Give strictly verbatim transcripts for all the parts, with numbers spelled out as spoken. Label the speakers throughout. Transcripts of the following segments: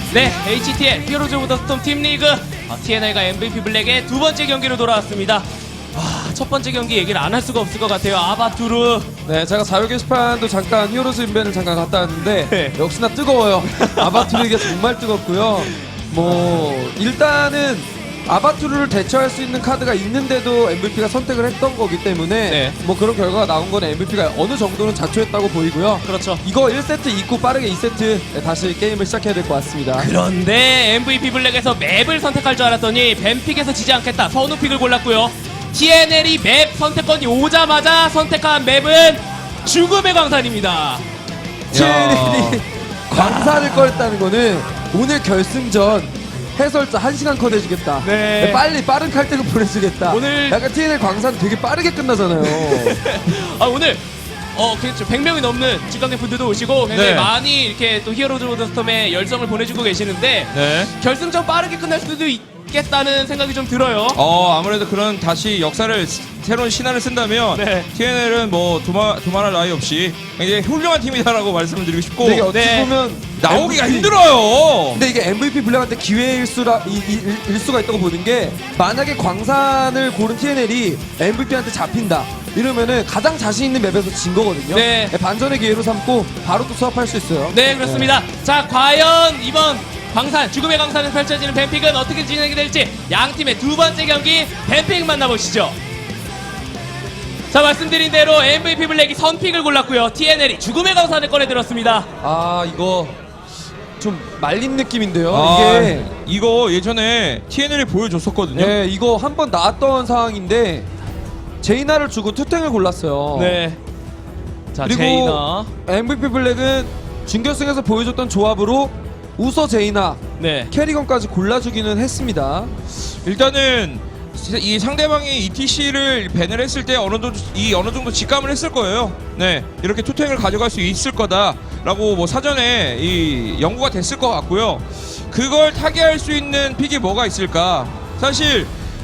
Speaker 1: 네, 에이치티엘 히어로즈 오브 더 스톰 팀 리그 어, 티엔엘과 엠브이피 블랙의 두 번째 경기로 돌아왔습니다. 와, 첫 번째 경기 얘기를 안 할 수가 없을 것 같아요. 아바투르.
Speaker 2: 네, 제가 자유 게시판도 잠깐 히어로즈 인벤을 잠깐 갔다 왔는데
Speaker 1: 네.
Speaker 2: 역시나 뜨거워요. 아바투르에게 정말 뜨겁고요. 뭐 일단은 아바투르를 대처할 수 있는 카드가 있는데도 엠브이피가 선택을 했던 거기 때문에
Speaker 1: 네.
Speaker 2: 뭐 그런 결과가 나온 건 엠브이피가 어느 정도는 자초했다고 보이고요.
Speaker 1: 그렇죠.
Speaker 2: 이거 일 세트 잊고 빠르게 이 세트 다시 게임을 시작해야 될 것 같습니다.
Speaker 1: 그런데 엠브이피 블랙에서 맵을 선택할 줄 알았더니 뱀픽에서 지지 않겠다. 선우픽을 골랐고요. 티엔엘이 맵 선택권이 오자마자 선택한 맵은 죽음의 광산입니다.
Speaker 2: 티엔엘이 광산을 꺼냈다는 거는 오늘 결승전 해설자 한 시간 컷 해주겠다.
Speaker 1: 네.
Speaker 2: 빨리 빠른 칼퇴근 보내주겠다.
Speaker 1: 오늘-
Speaker 2: 약간 티엔엘 광산 되게 빠르게 끝나잖아요.
Speaker 1: 아, 오늘 어 그렇죠. 백 명이 넘는 직관객 분들도 오시고 굉장히
Speaker 3: 네.
Speaker 1: 많이 이렇게 또 히어로즈 오브 더 스톰에 열정을 보내주고 계시는데
Speaker 3: 네.
Speaker 1: 결승전 빠르게 끝날 수도 있겠다는 생각이 좀 들어요.
Speaker 3: 어 아무래도 그런 다시 역사를 스- 새로운 신화를 쓴다면
Speaker 1: 네.
Speaker 3: 티엔엘은 뭐 두마 두말할 나위 없이 굉장히 훌륭한 팀이다라고 말씀을 드리고 싶고
Speaker 2: 근데 이게 어찌
Speaker 1: 네.
Speaker 2: 보면
Speaker 3: 나오기가
Speaker 2: 엠브이피
Speaker 3: 힘들어요.
Speaker 2: 근데 이게 엠브이피 블랙한테 기회일 수라 이, 이, 일 수가 있다고 보는 게 만약에 광산을 고른 티엔엘이 엠브이피한테 잡힌다 이러면은 가장 자신 있는 맵에서 진 거거든요.
Speaker 1: 네.
Speaker 2: 반전의 기회로 삼고 바로 또 수합할 수 있어요.
Speaker 1: 네, 그렇습니다. 자, 과연 이번 광산, 죽음의 광산에서 펼쳐지는 뱀픽은 어떻게 진행이 될지 양 팀의 두 번째 경기 뱀픽 만나보시죠. 자, 말씀드린 대로 엠브이피 블랙이 선픽을 골랐고요. 티엔엘이 죽음의 광산을 꺼내들었습니다.
Speaker 2: 아 이거 좀 말린 느낌인데요.
Speaker 3: 아,
Speaker 2: 이게
Speaker 3: 이거 예전에 티엔엘이 보여줬었거든요.
Speaker 2: 네, 이거 한 번 나왔던 상황인데 제이나를 주고 투탱을 골랐어요.
Speaker 1: 네. 자,
Speaker 2: 그리고
Speaker 1: 제이나.
Speaker 2: 엠브이피 블랙은 준결승에서 보여줬던 조합으로 우서 제이나
Speaker 1: 네.
Speaker 2: 캐리건까지 골라주기는 했습니다.
Speaker 3: 일단은 이 상대방이 이티씨를 밴을 했을 때 어느 정도 이 어느 정도 직감을 했을 거예요. 네, 이렇게 투탱을 가져갈 수 있을 거다라고 뭐 사전에 이 연구가 됐을 것 같고요. 그걸 타개할 수 있는 픽이 뭐가 있을까? 사실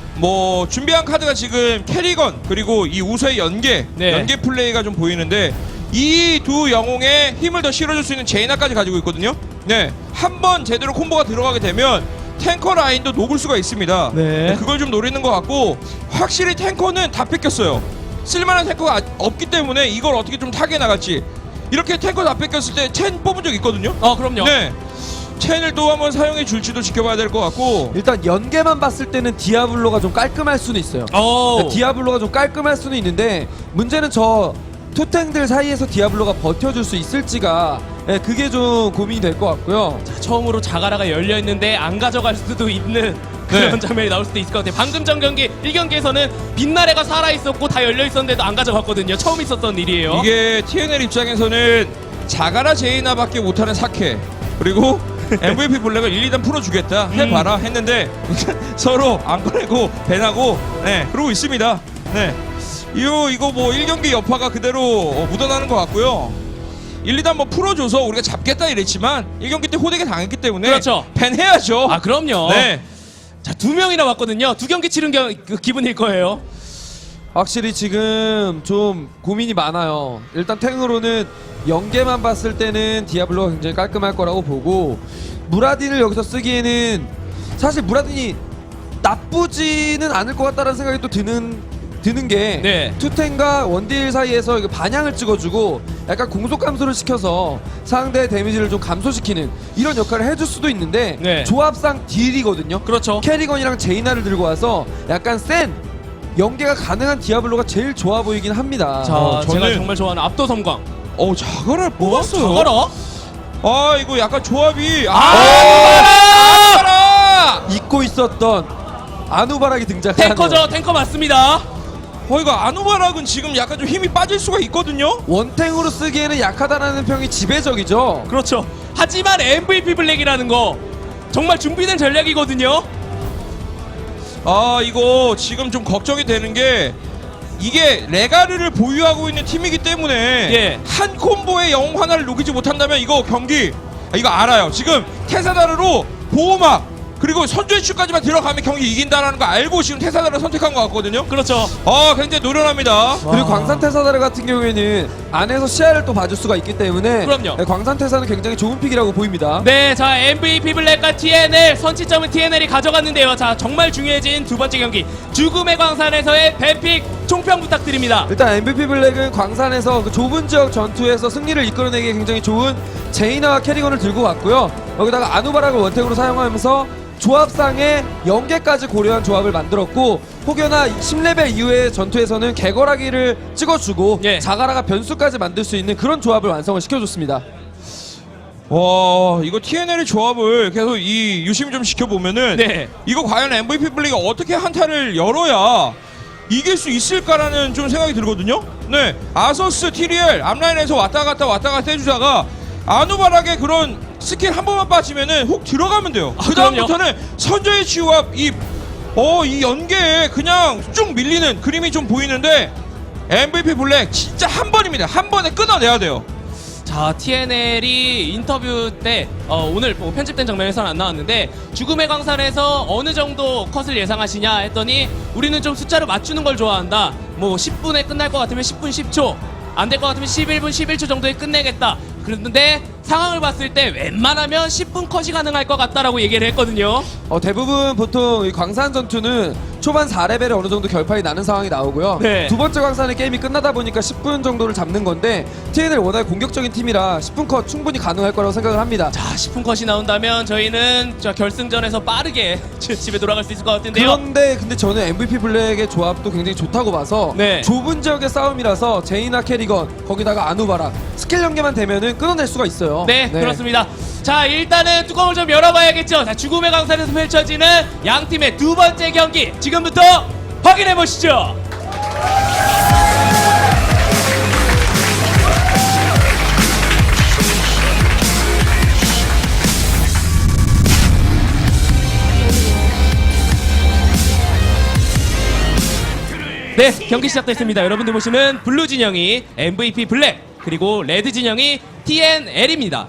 Speaker 3: 뭐 준비한 카드가 지금 캐리건 그리고 이 우서의 연계
Speaker 1: 네.
Speaker 3: 연계 플레이가 좀 보이는데 이 두 영웅에 힘을 더 실어줄 수 있는 제이나까지 가지고 있거든요. 네, 한 번 제대로 콤보가 들어가게 되면 탱커 라인도 녹을 수가 있습니다.
Speaker 1: 네.
Speaker 3: 그걸 좀 노리는 것 같고 확실히 탱커는 다 뺏겼어요. 쓸만한 탱커가 아- 없기 때문에 이걸 어떻게 좀 타게 나갈지. 이렇게 탱커 다 뺏겼을 때 첸 뽑은 적 있거든요.
Speaker 1: 어, 그럼요.
Speaker 3: 네, 첸을 또 한번 사용해 줄지도 지켜봐야 될 것 같고.
Speaker 2: 일단 연계만 봤을 때는 디아블로가 좀 깔끔할 수는 있어요.
Speaker 1: 오.
Speaker 2: 네, 디아블로가 좀 깔끔할 수는 있는데 문제는 저 투탱들 사이에서 디아블로가 버텨줄 수 있을지가 네, 그게 좀 고민이 될 것 같고요.
Speaker 1: 처음으로 자가라가 열려 있는데 안 가져갈 수도 있는 그런
Speaker 3: 네.
Speaker 1: 장면이 나올 수도 있을 것 같아요. 방금 전 경기 일 경기에서는 빛나래가 살아 있었고 다 열려 있었는데도 안 가져갔거든요. 처음 있었던 일이에요.
Speaker 3: 이게 티엔엘 입장에서는 자가라 제이나밖에 못하는 사케 그리고 엠브이피 블랙을 일, 이 단 풀어주겠다 해봐라 했는데 서로 안 꺼내고 밴하고 네 그러고 있습니다. 네, 이거 이거 뭐 일 경기 여파가 그대로 어, 묻어나는 것 같고요. 일, 이 단 뭐 풀어줘서 우리가 잡겠다 이랬지만 일 경기 때 호되게 당했기 때문에
Speaker 1: 그렇죠.
Speaker 3: 밴해야죠.
Speaker 1: 아, 그럼요.
Speaker 3: 네.
Speaker 1: 자, 두 명이나 왔거든요. 두 경기 치른 겨, 그 기분일 거예요.
Speaker 2: 확실히 지금 좀 고민이 많아요. 일단 탱으로는 연계만 봤을 때는 디아블로가 굉장히 깔끔할 거라고 보고 무라딘을 여기서 쓰기에는 사실 무라딘이 나쁘지는 않을 것 같다는 생각이 또 드는 드는 게
Speaker 1: 네.
Speaker 2: 투탱과 원딜 사이에서 이거 반향을 찍어주고 약간 공속 감소를 시켜서 상대 데미지를 좀 감소시키는 이런 역할을 해줄 수도 있는데
Speaker 1: 네.
Speaker 2: 조합상 딜이거든요.
Speaker 1: 그렇죠.
Speaker 2: 캐리건이랑 제이나를 들고 와서 약간 센 연계가 가능한 디아블로가 제일 좋아 보이긴 합니다.
Speaker 1: 자,
Speaker 3: 어,
Speaker 1: 제가
Speaker 3: 저는-
Speaker 1: 정말 좋아하는 압도 섬광.
Speaker 3: 어 자가라를 뽑았어요.
Speaker 1: 자가라?
Speaker 3: 아 이거 약간 조합이
Speaker 1: 아,
Speaker 3: 아 자가라!
Speaker 2: 잊고 있었던 아누바락이 등장하네요.
Speaker 1: 탱커죠. 탱커 맞습니다.
Speaker 3: 어 이거 아누바락은 지금 약간 좀 힘이 빠질 수가 있거든요.
Speaker 2: 원탱으로 쓰기에는 약하다라는 평이 지배적이죠.
Speaker 1: 그렇죠. 하지만 엠브이피 블랙이라는 거 정말 준비된 전략이거든요.
Speaker 3: 아 이거 지금 좀 걱정이 되는 게 이게 레가르를 보유하고 있는 팀이기 때문에
Speaker 1: 예.
Speaker 3: 한 콤보의 영웅 하나를 녹이지 못한다면 이거 경기 아, 이거 알아요. 지금 테사다르로 보호막 그리고 선두의 추까지만 들어가면 경기 이긴다라는 거 알고 지금 태사다를 선택한 것 같거든요.
Speaker 1: 그렇죠.
Speaker 3: 아, 굉장히 노련합니다.
Speaker 2: 그리고 광산 태사다르 같은 경우에는 안에서 시야를 또 봐줄 수가 있기 때문에
Speaker 1: 그럼요.
Speaker 2: 네, 광산 태사는 굉장히 좋은 픽이라고 보입니다.
Speaker 1: 네, 자 엠브이피 블랙과 티엔엘 선취점은 티엔엘이 가져갔는데요. 자 정말 중요해진 두 번째 경기 죽음의 광산에서의 뱀픽 총평 부탁드립니다.
Speaker 2: 일단 엠브이피 블랙은 광산에서 그 좁은 지역 전투에서 승리를 이끌어내기에 굉장히 좋은 제이나와 캐리건을 들고 왔고요. 여기다가 아누바락을 원택으로 사용하면서 조합상의 연계까지 고려한 조합을 만들었고, 혹여나 십 레벨 이후의 전투에서는 개거라기를 찍어주고
Speaker 1: 예.
Speaker 2: 자가라가 변수까지 만들 수 있는 그런 조합을 완성을 시켜줬습니다.
Speaker 3: 와, 이거 티엔엘의 조합을 계속 이 유심 좀 시켜보면은
Speaker 1: 네.
Speaker 3: 이거 과연 엠브이피 블랙이 어떻게 한타를 열어야 이길 수 있을까라는 좀 생각이 들거든요. 네, 아서스, 티리엘 앞라인에서 왔다 갔다 왔다 갔다 해주다가 아누바락의 그런 스킬 한 번만 빠지면은 훅 들어가면 돼요.
Speaker 1: 아,
Speaker 3: 그 다음부터는 선저의 치유와 이 어, 이 연계에 그냥 쭉 밀리는 그림이 좀 보이는데 엠브이피 블랙 진짜 한 번입니다. 한 번에 끊어내야 돼요.
Speaker 1: 자 티엔엘이 인터뷰 때 어, 오늘 뭐 편집된 장면에서는 안 나왔는데 죽음의 광산에서 어느 정도 컷을 예상하시냐 했더니 우리는 좀 숫자를 맞추는 걸 좋아한다. 뭐 십 분에 끝날 것 같으면 십 분 십 초, 안 될 것 같으면 십일 분 십일 초 정도에 끝내겠다. 그런데 상황을 봤을 때 웬만하면 십 분 컷이 가능할 것 같다라고 얘기를 했거든요.
Speaker 2: 어, 대부분 보통 이 광산 전투는 초반 사 레벨에 어느 정도 결판이 나는 상황이 나오고요.
Speaker 1: 네.
Speaker 2: 두 번째 광산의 게임이 끝나다 보니까 십 분 정도를 잡는 건데 티엔엘 워낙 공격적인 팀이라 십 분 컷 충분히 가능할 거라고 생각을 합니다.
Speaker 1: 자 십 분 컷이 나온다면 저희는 저 결승전에서 빠르게 집에 돌아갈 수 있을 것 같은데요.
Speaker 2: 그런데 근데 저는 엠브이피 블랙의 조합도 굉장히 좋다고 봐서
Speaker 1: 네.
Speaker 2: 좁은 지역의 싸움이라서 제이나 캐리건 거기다가 아누바락 스킬 연계만 되면은 끊어낼 수가 있어요.
Speaker 1: 네, 그렇습니다. 자 일단은 뚜껑을 좀 열어봐야겠죠. 자 죽음의 강산에서 펼쳐지는 양 팀의 두 번째 경기 지금부터 확인해 보시죠. 네, 경기 시작됐습니다. 여러분들 보시는 블루 진영이 엠브이피 블랙, 그리고 레드 진영이 티엔엘입니다.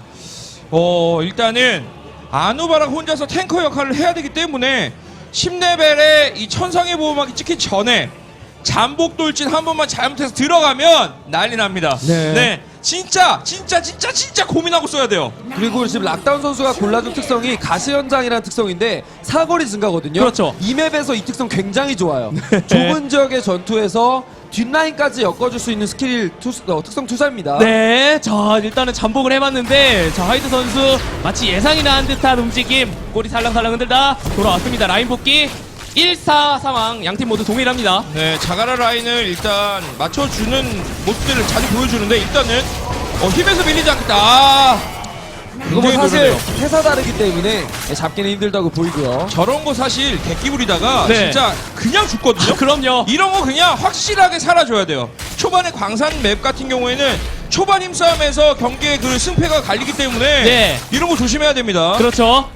Speaker 3: 어, 일단은 아누바락 혼자서 탱커 역할을 해야 되기 때문에 십 레벨에 이 천상의 보호막이 찍기 전에 잠복 돌진 한 번만 잘못해서 들어가면 난리 납니다.
Speaker 2: 네.
Speaker 3: 진짜 진짜 진짜 진짜 고민하고 써야 돼요.
Speaker 2: 그리고 지금 락다운 선수가 골라준 특성이 가시현장이라는 특성인데 사거리 증가거든요.
Speaker 1: 그렇죠.
Speaker 2: 이 맵에서 이 특성 굉장히 좋아요. 좁은 지역의 전투에서 뒷라인까지 엮어줄 수 있는 스킬 투, 어, 특성 투사입니다.
Speaker 1: 네, 자 일단은 잠복을 해봤는데 자 하이드 선수 마치 예상이 난 듯한 움직임, 꼬리 살랑살랑 흔들다 돌아왔습니다. 라인 복귀 일 사 상황, 양팀 모두 동일합니다.
Speaker 3: 네, 자가라 라인을 일단 맞춰주는 모습들을 자주 보여주는데 일단은 어, 힘에서 밀리지 않겠다. 아,
Speaker 2: 그거 뭐
Speaker 3: 굉장히
Speaker 2: 사실
Speaker 3: 노련해요.
Speaker 2: 회사 다르기 때문에 잡기는 힘들다고 보이고요.
Speaker 3: 저런 거 사실 객기 부리다가
Speaker 1: 네.
Speaker 3: 진짜 그냥 죽거든요.
Speaker 1: 아, 그럼요.
Speaker 3: 이런 거 그냥 확실하게 살아줘야 돼요. 초반에 광산 맵 같은 경우에는 초반 힘싸움에서 경기의 그 승패가 갈리기 때문에
Speaker 1: 네.
Speaker 3: 이런 거 조심해야 됩니다.
Speaker 1: 그렇죠.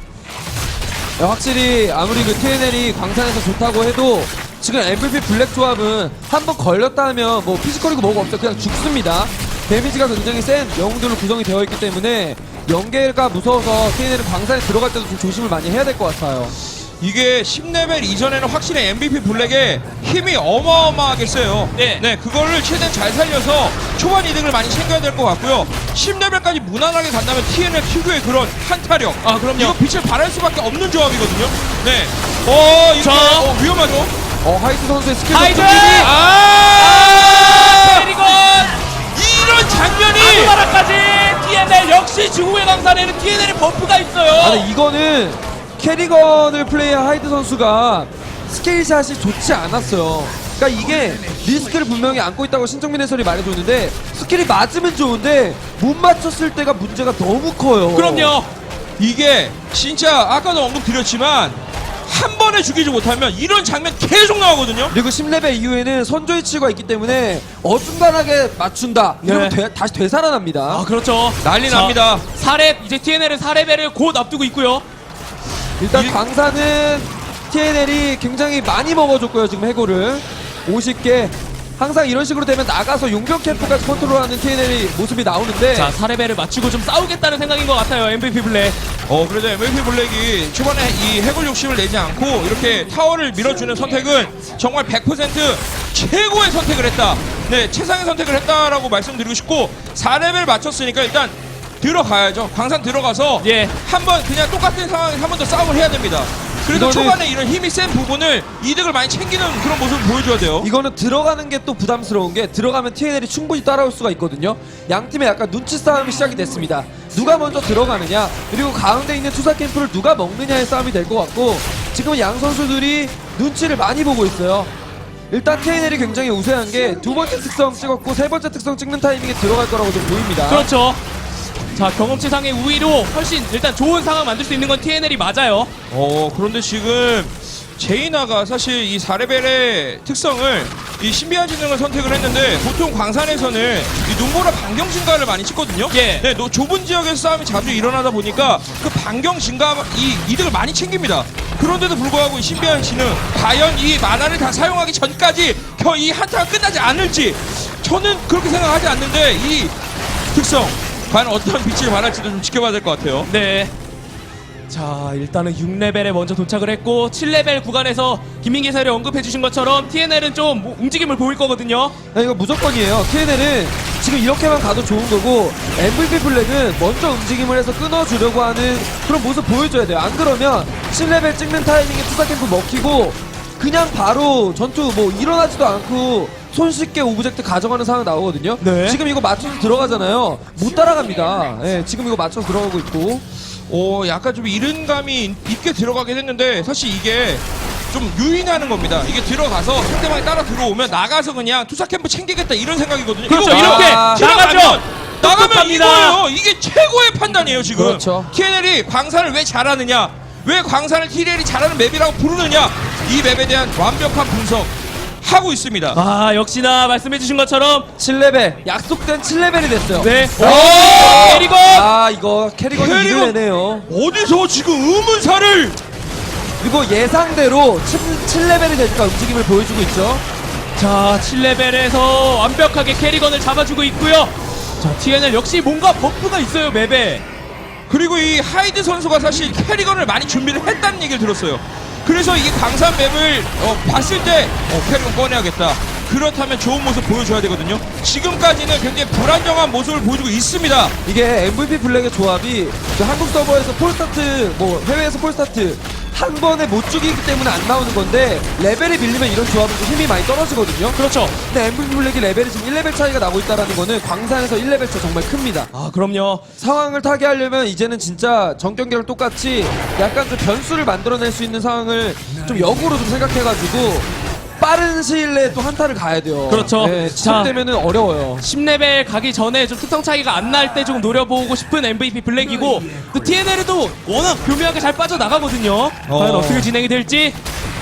Speaker 2: 네, 확실히 아무리 그 티엔엘이 광산에서 좋다고 해도 지금 엠브이피 블랙 조합은 한번 걸렸다 하면 뭐 피지컬이고 뭐가 없어요. 그냥 죽습니다. 데미지가 굉장히 센 영웅들로 구성이 되어 있기 때문에 연계가 무서워서 티엔엘은 광산에 들어갈 때도 좀 조심을 많이 해야 될 것 같아요.
Speaker 3: 이게 십 레벨 이전에는 확실히 엠브이피 블랙의 힘이 어마어마하게 세요.
Speaker 1: 네.
Speaker 3: 네, 그거를 최대한 잘 살려서 초반 이득을 많이 챙겨야 될 것 같고요. 십 레벨까지 무난하게 간다면 티엔엘 특유의 그런 한타력.
Speaker 1: 아, 그럼요.
Speaker 3: 이거 빛을 발할 수밖에 없는 조합이거든요. 네. 어, 이거
Speaker 1: 자.
Speaker 3: 어, 위험하죠?
Speaker 2: 어, 하이트 선수의 스킬
Speaker 1: 하이드!
Speaker 2: 덕분이
Speaker 3: 아!
Speaker 1: 그리고
Speaker 3: 이런 장면이!
Speaker 1: 아누바라까지 티엔엘 역시 죽음의 강산에는 티엔엘의 버프가 있어요.
Speaker 2: 아, 근데 이거는 캐리건을 플레이한 하이드 선수가 스케일샷이 좋지 않았어요. 그러니까 이게 리스크를 분명히 안고 있다고 신정민 해설이 말해줬는데 스킬이 맞으면 좋은데 못 맞췄을 때가 문제가 너무 커요.
Speaker 1: 그럼요.
Speaker 3: 이게 진짜 아까도 언급드렸지만 한 번에 죽이지 못하면 이런 장면 계속 나오거든요.
Speaker 2: 그리고 십 레벨 이후에는 선조의 치유가 있기 때문에 어중간하게 맞춘다. 이러면
Speaker 1: 네.
Speaker 2: 되, 다시 되살아납니다.
Speaker 1: 아 그렇죠.
Speaker 3: 난리
Speaker 1: 자,
Speaker 3: 납니다.
Speaker 1: 사 렙 이제 티엔엘은 사 레벨을 곧 앞두고 있고요.
Speaker 2: 일단
Speaker 3: 일-
Speaker 2: 광산은 티엔엘이 굉장히 많이 먹어줬고요. 지금 해골을 오십 개. 항상 이런 식으로 되면 나가서 용병 캠프까지 컨트롤하는 티엔엘이 모습이 나오는데
Speaker 1: 자, 사 레벨을 맞추고 좀 싸우겠다는 생각인 것 같아요. 엠브이피 블랙.
Speaker 3: 어 그래도 엠브이피 블랙이 초반에 이 해골 욕심을 내지 않고 이렇게 타워를 밀어주는 선택은 정말 백 퍼센트 최고의 선택을 했다. 네, 최상의 선택을 했다라고 말씀드리고 싶고 사 레벨 맞췄으니까 일단 들어가야죠. 광산 들어가서
Speaker 1: 예.
Speaker 3: 한번 그냥 똑같은 상황에서 한 번 더 싸움을 해야 됩니다. 그래도
Speaker 2: 이거는-
Speaker 3: 초반에 이런 힘이 센 부분을 이득을 많이 챙기는 그런 모습을 보여줘야 돼요.
Speaker 2: 이거는 들어가는 게 또 부담스러운 게 들어가면 티엔엘이 충분히 따라올 수가 있거든요. 양 팀의 약간 눈치 싸움이 시작이 됐습니다. 누가 먼저 들어가느냐 그리고 가운데 있는 투사 캠프를 누가 먹느냐의 싸움이 될 것 같고 지금 양 선수들이 눈치를 많이 보고 있어요. 일단 티엔엘이 굉장히 우세한 게 두 번째 특성 찍었고 세 번째 특성 찍는 타이밍에 들어갈 거라고 좀 보입니다.
Speaker 1: 그렇죠. 자, 경험치상의 우위로 훨씬 일단 좋은 상황 만들 수 있는 건 티엔엘이 맞아요.
Speaker 3: 어 그런데 지금 제이나가 사실 이 사 레벨의 특성을 이 신비한 지능을 선택을 했는데 보통 광산에서는 이 눈보라 반경 증가를 많이 찍거든요.
Speaker 1: 예.
Speaker 3: 네, 노, 좁은 지역에서 싸움이 자주 일어나다 보니까 그 반경 증가 이 이득을 많이 챙깁니다. 그런데도 불구하고 이 신비한 지능 과연 이 만화를 다 사용하기 전까지 겨 이 한타가 끝나지 않을지 저는 그렇게 생각하지 않는데 이 특성 과연 어떤 빛을 발할지도 좀 지켜봐야 될 것 같아요.
Speaker 1: 네. 자, 일단은 육 레벨에 먼저 도착을 했고 칠 레벨 구간에서 김민기 해설이 언급해 주신 것처럼 티엔엘은 좀 뭐 움직임을 보일 거거든요.
Speaker 2: 야, 이거 무조건이에요. 티엔엘은 지금 이렇게만 가도 좋은 거고 엠브이피 블랙은 먼저 움직임을 해서 끊어주려고 하는 그런 모습 보여줘야 돼요. 안 그러면 칠 레벨 찍는 타이밍에 투사 캠프 먹히고 그냥 바로 전투 뭐 일어나지도 않고 손쉽게 오브젝트 가져가는 상황 나오거든요.
Speaker 1: 네.
Speaker 2: 지금 이거 맞춰서 들어가잖아요. 못 따라갑니다. 예, 지금 이거 맞춰서 들어가고 있고
Speaker 3: 오, 약간 좀 이른 감이 있게 들어가게 됐는데 사실 이게 좀 유인하는 겁니다. 이게 들어가서 상대방이 따라 들어오면 나가서 그냥 투사 캠프 챙기겠다 이런 생각이거든요.
Speaker 1: 그렇죠.
Speaker 3: 이거
Speaker 1: 이렇게
Speaker 2: 아,
Speaker 1: 나가죠.
Speaker 3: 나가면 나가면
Speaker 1: 똑똑합니다.
Speaker 3: 이거예요. 이게 최고의 판단이에요 지금.
Speaker 2: 그렇죠.
Speaker 3: 티엔엘이 광산을 왜 잘하느냐, 왜 광산을 티엔엘이 잘하는 맵이라고 부르느냐, 이 맵에 대한 완벽한 분석 하고 있습니다.
Speaker 1: 아, 역시나 말씀해 주신 것처럼
Speaker 2: 칠 레벨 약속된 칠 레벨이 됐어요.
Speaker 1: 네.
Speaker 3: 오!
Speaker 1: 그리고
Speaker 2: 아 이거 캐리건이
Speaker 3: 캐리건!
Speaker 2: 일을 내네요.
Speaker 3: 어디서 지금 의문사를
Speaker 2: 그리고 예상대로 칠 레벨이 되니까 움직임을 보여주고 있죠.
Speaker 1: 자, 칠 레벨에서 완벽하게 캐리건을 잡아주고 있고요. 자, 티엔엘 역시 뭔가 버프가 있어요, 맵에.
Speaker 3: 그리고 이 하이드 선수가 사실 캐리건을 많이 준비를 했다는 얘기를 들었어요. 그래서 이게 광산 맵을 어, 봤을 때 어, 캐리건 꺼내야겠다. 그렇다면 좋은 모습 보여줘야 되거든요. 지금까지는 굉장히 불안정한 모습을 보여주고 있습니다.
Speaker 2: 이게 엠브이피 블랙의 조합이 그 한국 서버에서 폴스타트 뭐 해외에서 폴스타트 한 번에 못 죽이기 때문에 안 나오는 건데 레벨이 밀리면 이런 조합은 좀 힘이 많이 떨어지거든요.
Speaker 1: 그렇죠.
Speaker 2: 근데 엠브이피 블랙이 레벨이 지금 일 레벨 차이가 나고 있다는 거는 광산에서 일 레벨 차 정말 큽니다.
Speaker 1: 아, 그럼요.
Speaker 2: 상황을 타게 하려면 이제는 진짜 전 경기랑 똑같이 약간 좀 변수를 만들어낼 수 있는 상황을 좀 역으로 좀 생각해가지고 빠른 시일 내에 또 한타를 가야 돼요.
Speaker 1: 그렇죠.
Speaker 2: 네,
Speaker 1: 자.
Speaker 2: 시작되면은 어려워요.
Speaker 1: 십 레벨 가기 전에 좀 특성 차이가 안 날 때 좀 노려보고 싶은 엠브이피 블랙이고 또 티엔엘도 워낙 교묘하게 잘 빠져나가거든요. 과연
Speaker 3: 어.
Speaker 1: 어떻게 진행이 될지.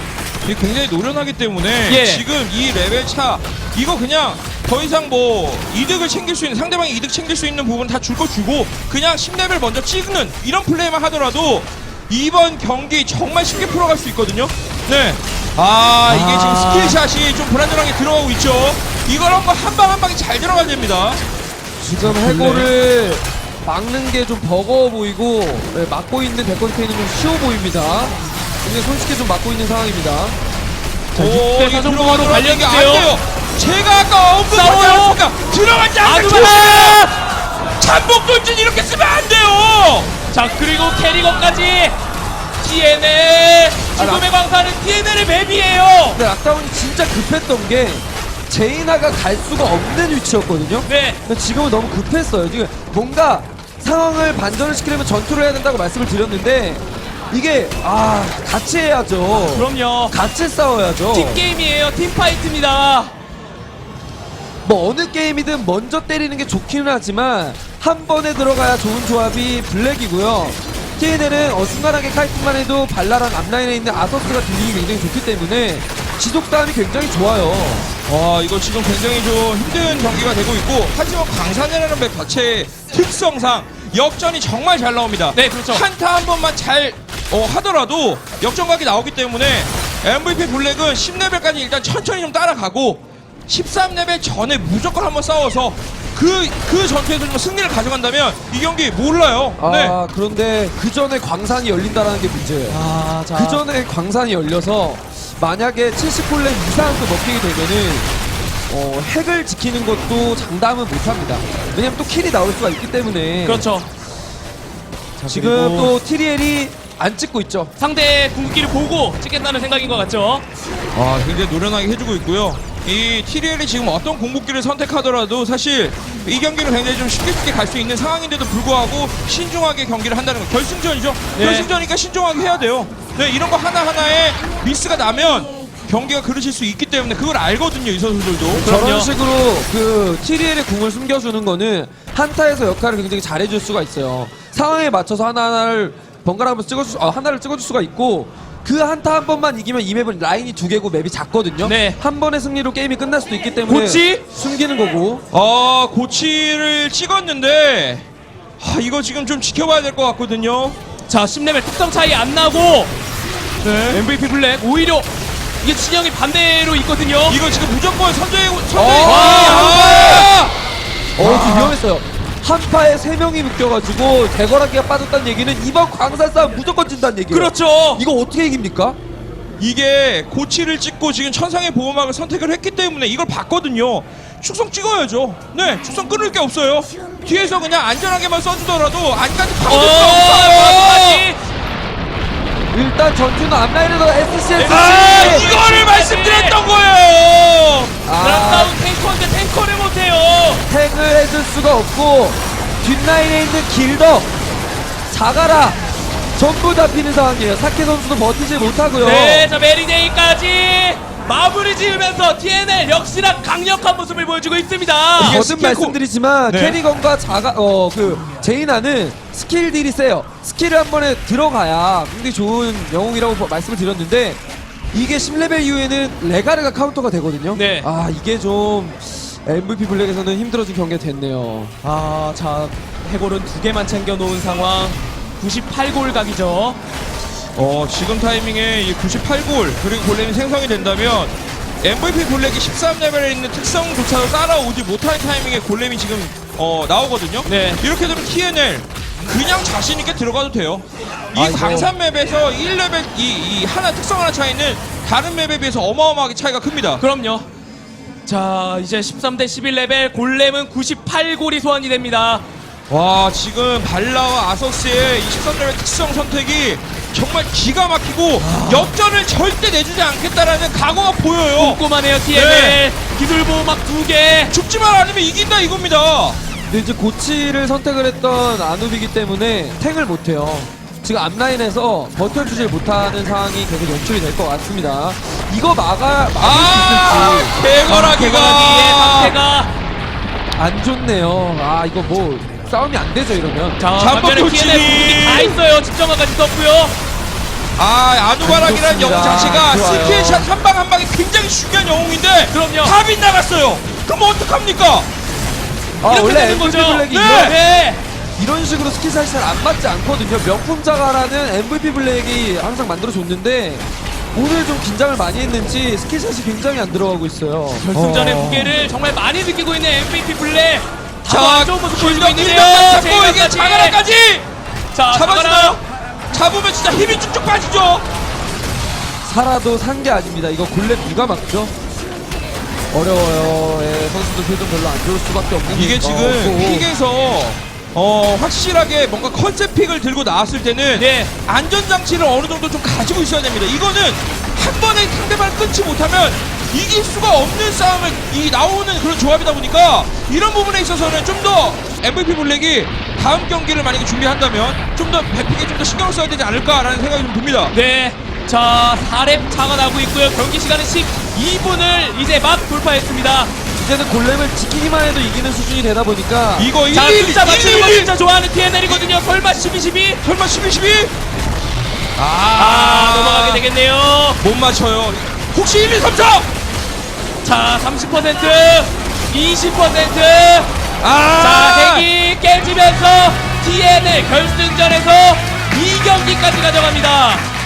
Speaker 3: 이게 굉장히 노련하기 때문에
Speaker 1: 예.
Speaker 3: 지금 이 레벨 차 이거 그냥 더 이상 뭐 이득을 챙길 수 있는 상대방이 이득 챙길 수 있는 부분 다 줄 거 주고 그냥 십 레벨 먼저 찍는 이런 플레이만 하더라도 이번 경기 정말 쉽게 풀어갈 수 있거든요. 네. 아 이게
Speaker 1: 아.
Speaker 3: 지금 스킬샷이 좀 불안정하게 들어가고 있죠. 이걸 한번 한 방 한 방이 잘 들어가야 됩니다.
Speaker 2: 지금 해골을 막는 게 좀 버거워 보이고 네, 막고 있는 데컨테이는 좀 쉬워 보입니다. 굉장히 손쉽게 좀 막고 있는 상황입니다.
Speaker 1: 자,
Speaker 3: 오,
Speaker 1: 육 대
Speaker 3: 이게
Speaker 1: 사 정도로
Speaker 3: 들어가더라도 이게 안
Speaker 1: 관련돼요.
Speaker 3: 돼요. 제가 아까 언급하지
Speaker 1: 싸워요.
Speaker 3: 않았습니까? 들어가지 않는
Speaker 1: 아누바!
Speaker 3: 조심해요. 잠복 돌진 이렇게 쓰면 안 돼요.
Speaker 1: 자, 그리고 캐리건까지. 티엔엘 지금의 광산은 티엔엘의 맵이에요.
Speaker 2: 근데 락다운이 진짜 급했던 게 제이나가 갈 수가 없는 위치였거든요.
Speaker 1: 네.
Speaker 2: 근데 지금은 너무 급했어요. 지금 뭔가 상황을 반전을 시키려면 전투를 해야 된다고 말씀을 드렸는데 이게 아 같이 해야죠.
Speaker 1: 그럼요.
Speaker 2: 같이 싸워야죠.
Speaker 1: 팀 게임이에요. 팀 파이트입니다.
Speaker 2: 뭐 어느 게임이든 먼저 때리는 게 좋기는 하지만 한 번에 들어가야 좋은 조합이 블랙이고요. 티엔엘은 어, 순간하게 카이팅만 해도 발랄한 앞라인에 있는 아서스가 들리기 굉장히 좋기 때문에 지속 싸움이 굉장히 좋아요.
Speaker 3: 와 이거 지금 굉장히 좀 힘든 경기가 되고 있고 하지만 광산이라는 맵 자체의 특성상 역전이 정말 잘 나옵니다.
Speaker 1: 네, 그렇죠.
Speaker 3: 한타 한 번만 잘 어, 하더라도 역전각이 나오기 때문에 엠브이피 블랙은 십 레벨까지 일단 천천히 좀 따라가고 십삼 레벨 전에 무조건 한번 싸워서 그, 그 전투에서 좀 승리를 가져간다면 이 경기 몰라요.
Speaker 2: 아
Speaker 3: 네.
Speaker 2: 그런데 그 전에 광산이 열린다라는 게 문제예요.
Speaker 1: 아, 자.
Speaker 2: 그 전에 광산이 열려서 만약에 칠십 콜렘 이상도 먹히게 되면은 어, 핵을 지키는 것도 장담은 못합니다. 왜냐면 또 킬이 나올 수가 있기 때문에.
Speaker 1: 그렇죠. 자,
Speaker 2: 지금
Speaker 1: 그리고
Speaker 2: 또 티리엘이 안 찍고 있죠.
Speaker 1: 상대의 궁극기를 보고 찍겠다는 생각인 것 같죠.
Speaker 3: 아, 굉장히 노련하게 해주고 있고요. 이 티리엘이 지금 어떤 공격기를 선택하더라도 사실 이 경기는 굉장히 좀 쉽게 쉽게 갈 수 있는 상황인데도 불구하고 신중하게 경기를 한다는 거. 결승전이죠.
Speaker 1: 네.
Speaker 3: 결승전이니까 신중하게 해야 돼요. 네, 이런 거 하나하나에 미스가 나면 경기가 그르실 수 있기 때문에 그걸 알거든요, 이 선수들도.
Speaker 1: 그럼요.
Speaker 2: 저런 식으로 그 티리엘의 궁을 숨겨주는 거는 한타에서 역할을 굉장히 잘해줄 수가 있어요. 상황에 맞춰서 하나하나를 번갈아 가면서 찍어줄 수, 아, 하나를 찍어줄 수가 있고 그 한타 한 번만 이기면 이 맵은 라인이 두 개고 맵이 작거든요.
Speaker 1: 네.
Speaker 2: 한 번의 승리로 게임이 끝날 수도 있기 때문에
Speaker 1: 고치?
Speaker 2: 숨기는 거고.
Speaker 3: 아, 고치를 찍었는데 아, 이거 지금 좀 지켜봐야 될 것 같거든요.
Speaker 1: 자, 십 레벨 특성 차이 안 나고
Speaker 3: 네.
Speaker 1: 엠브이피 블랙 오히려 이게 진영이 반대로 있거든요.
Speaker 3: 이거 지금 무조건 선제 선제.
Speaker 2: 어,
Speaker 3: 아!
Speaker 2: 어, 좀 위험했어요. 한파에 세 명이 묶여가지고 대거라기가 빠졌다는 얘기는 이번 광산 싸움 무조건 진다는 얘기예요.
Speaker 1: 그렇죠.
Speaker 2: 이거 어떻게 이깁니까?
Speaker 3: 이게 고치를 찍고 지금 천상의 보호막을 선택을 했기 때문에 이걸 봤거든요. 축성 찍어야죠. 네, 축성 끊을 게 없어요. 뒤에서 그냥 안전하게만 써주더라도 안까지
Speaker 1: 어,
Speaker 3: 파고들 수 없어요.
Speaker 1: 마지막이.
Speaker 2: 일단 전투는 앞라인에서 에스씨에스.
Speaker 3: 아, 이거를 말씀드렸던 거예요.
Speaker 1: 드랍다운 탱커인데 탱커를 못해요.
Speaker 2: 탱을 해줄 수가 없고 뒷라인에 있는 길더 자가라 전부 잡히는 상황이에요. 사케 선수도 버티지 못하고요.
Speaker 1: 네, 자 메리데이까지 마무리 지으면서 티엔엘 역시나 강력한 모습을 보여주고 있습니다.
Speaker 3: 이게
Speaker 2: 거듭
Speaker 3: 스킬코-
Speaker 2: 말씀드리지만
Speaker 3: 네.
Speaker 2: 캐리건과 자가 어 그 제이나는 스킬 딜이 세요. 스킬을 한 번에 들어가야 굉장히 좋은 영웅이라고 버- 말씀을 드렸는데 이게 십 레벨 이후에는 레가르가 카운터가 되거든요.
Speaker 1: 네.
Speaker 2: 아 이게 좀 엠브이피 블랙에서는 힘들어진 경기가 됐네요.
Speaker 1: 아, 자 해골은 두 개만 챙겨 놓은 상황. 구십팔 골 각이죠.
Speaker 3: 어, 지금 타이밍에 이 구십팔 골 그리고 골렘이 생성이 된다면 엠브이피 블랙이 십삼 레벨에 있는 특성조차도 따라오지 못할 타이밍에 골렘이 지금 어, 나오거든요.
Speaker 1: 네.
Speaker 3: 이렇게 되면 티엔엘 그냥 자신 있게 들어가도 돼요. 이
Speaker 2: 아, 이거-
Speaker 3: 광산 맵에서 일 레벨 이, 이 하나 특성 하나 차이는 다른 맵에 비해서 어마어마하게 차이가 큽니다.
Speaker 1: 그럼요. 자, 이제 십삼 대 십일 레벨 골렘은 구십팔 골이 소환이 됩니다.
Speaker 3: 와, 지금 발라와 아서스의 이 십삼 레벨 특성 선택이 정말 기가 막히고 역전을 절대 내주지 않겠다라는 각오가 보여요.
Speaker 1: 꼼꼼하네요, 티엔엘.
Speaker 3: 네.
Speaker 1: 기술 보호막 두 개.
Speaker 3: 죽지만 않으면 이긴다 이겁니다.
Speaker 2: 근데 이제 고치를 선택을 했던 아누비기 때문에 탱을 못해요. 지금 앞라인에서 버텨주질 못하는 상황이 계속 연출이 될 것 같습니다. 이거 막아, 막을
Speaker 3: 아,
Speaker 2: 수
Speaker 1: 대거라기의
Speaker 3: 개거라기가
Speaker 1: 상태가.
Speaker 2: 있을지 안 좋네요. 아 이거 뭐 싸움이 안 되죠 이러면.
Speaker 1: 자,
Speaker 3: 잠복
Speaker 1: 반면에
Speaker 3: 돌진이.
Speaker 1: 티엔엘 공격이 다 있어요. 집정화까지 썼고요.
Speaker 3: 아, 아누바락이라는
Speaker 2: 안
Speaker 3: 영웅
Speaker 2: 좋습니다.
Speaker 3: 자체가
Speaker 2: 좋아요.
Speaker 3: 스킬샷 한 방 한 방이 굉장히 중요한 영웅인데
Speaker 1: 그럼요.
Speaker 3: 다 빗나갔어요. 그럼 어떡합니까?
Speaker 2: 아
Speaker 1: 이렇게
Speaker 2: 원래
Speaker 1: 되는
Speaker 2: 엠브이피
Speaker 1: 거죠.
Speaker 2: 블랙이
Speaker 3: 네.
Speaker 2: 이런,
Speaker 1: 네.
Speaker 2: 이런 식으로 스킬샷이 잘 안 맞지 않거든요. 명품 자가라는 엠브이피 블랙이 항상 만들어줬는데 오늘 좀 긴장을 많이 했는지 스킬샷이 굉장히 안 들어가고 있어요.
Speaker 1: 결승전의
Speaker 2: 어.
Speaker 1: 무게를 정말 많이 느끼고 있는 엠브이피 블랙.
Speaker 3: 자,
Speaker 1: 안 좋은 모습 보여주고
Speaker 3: 길덕
Speaker 1: 있는데요.
Speaker 3: 길덕까지 잡고 이게
Speaker 1: 제이나까지.
Speaker 3: 자가라까지
Speaker 1: 자,
Speaker 3: 잡아주나요? 잡으면 진짜 힘이 쭉쭉 빠지죠.
Speaker 2: 살아도 산 게 아닙니다. 이거 골렘 누가 막죠? 어려워요. 예, 선수들 표정 별로 안 좋을 수밖에 없는
Speaker 3: 이게
Speaker 2: 게-
Speaker 3: 지금
Speaker 2: 어,
Speaker 3: 픽에서 어, 확실하게 뭔가 컨셉 픽을 들고 나왔을 때는
Speaker 1: 네.
Speaker 3: 안전장치를 어느 정도 좀 가지고 있어야 됩니다. 이거는 한 번에 상대방을 끊지 못하면 이길 수가 없는 싸움을 이 나오는 그런 조합이다 보니까 이런 부분에 있어서는 좀 더 엠브이피 블랙이 다음 경기를 만약에 준비한다면 좀 더 배픽에 좀 더 신경을 써야 되지 않을까라는 생각이 좀 듭니다.
Speaker 1: 네. 자, 사 렙 차가 나고 있고요. 경기 시간은 십이 분을 이제 막 돌파했습니다.
Speaker 2: 이제는 골렘을 지키기만 해도 이기는 수준이 되다 보니까
Speaker 3: 이거 일,
Speaker 1: 자,
Speaker 3: 일,
Speaker 1: 숫자 맞추는 거
Speaker 3: 일, 일,
Speaker 1: 진짜 좋아하는 티엔엘이거든요. 설마 십이, 십이?
Speaker 3: 설마 십이, 십이?
Speaker 1: 아,
Speaker 3: 아,
Speaker 1: 넘어가게 되겠네요.
Speaker 3: 못 맞춰요. 혹시 일, 이, 삼, 사?
Speaker 1: 자, 삼십 퍼센트, 이십 퍼센트.
Speaker 3: 아,
Speaker 1: 자, 핵이 깨지면서 티엔엘 결승전에서 이 경기까지 가져갑니다.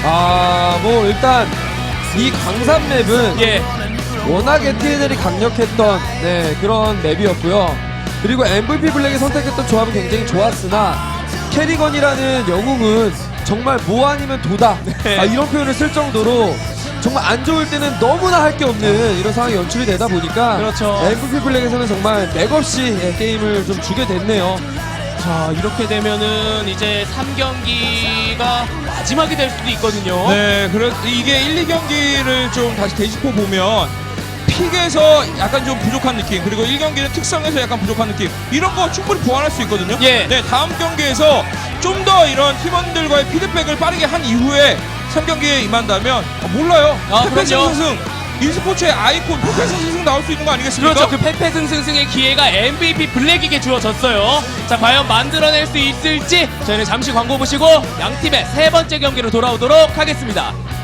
Speaker 2: 아, 뭐 일단 이 광산 맵은
Speaker 1: 예.
Speaker 2: 워낙에 티엔엘이 강력했던 네, 그런 맵이었고요. 그리고 엠브이피 블랙이 선택했던 조합은 굉장히 좋았으나 캐리건이라는 영웅은 정말 뭐 아니면 도다
Speaker 1: 네.
Speaker 2: 아, 이런 표현을 쓸 정도로 정말 안 좋을 때는 너무나 할 게 없는 이런 상황이 연출이 되다 보니까
Speaker 1: 그렇죠.
Speaker 2: 엠브이피 블랙에서는 정말 맥없이 예, 게임을 좀 주게 됐네요.
Speaker 1: 자, 이렇게 되면은 이제 삼 경기가 마지막이 될 수도 있거든요.
Speaker 3: 네, 그래 이게 일, 이 경기를 좀 다시 되짚어 보면 픽에서 약간 좀 부족한 느낌, 그리고 일 경기는 특성에서 약간 부족한 느낌, 이런 거 충분히 보완할 수 있거든요.
Speaker 1: 예.
Speaker 3: 네, 다음 경기에서 좀 더 이런 팀원들과의 피드백을 빠르게 한 이후에 삼 경기에 임한다면 아, 몰라요.
Speaker 1: 아,
Speaker 3: 페페승승
Speaker 1: 그럼요.
Speaker 3: e스포츠의 아이콘 페페승승 나올 수 있는 거 아니겠습니까?
Speaker 1: 그렇죠. 그 페페승승승의 기회가 엠브이피 블랙에게 주어졌어요. 자, 과연 만들어낼 수 있을지 저희는 잠시 광고 보시고 양 팀의 세 번째 경기로 돌아오도록 하겠습니다.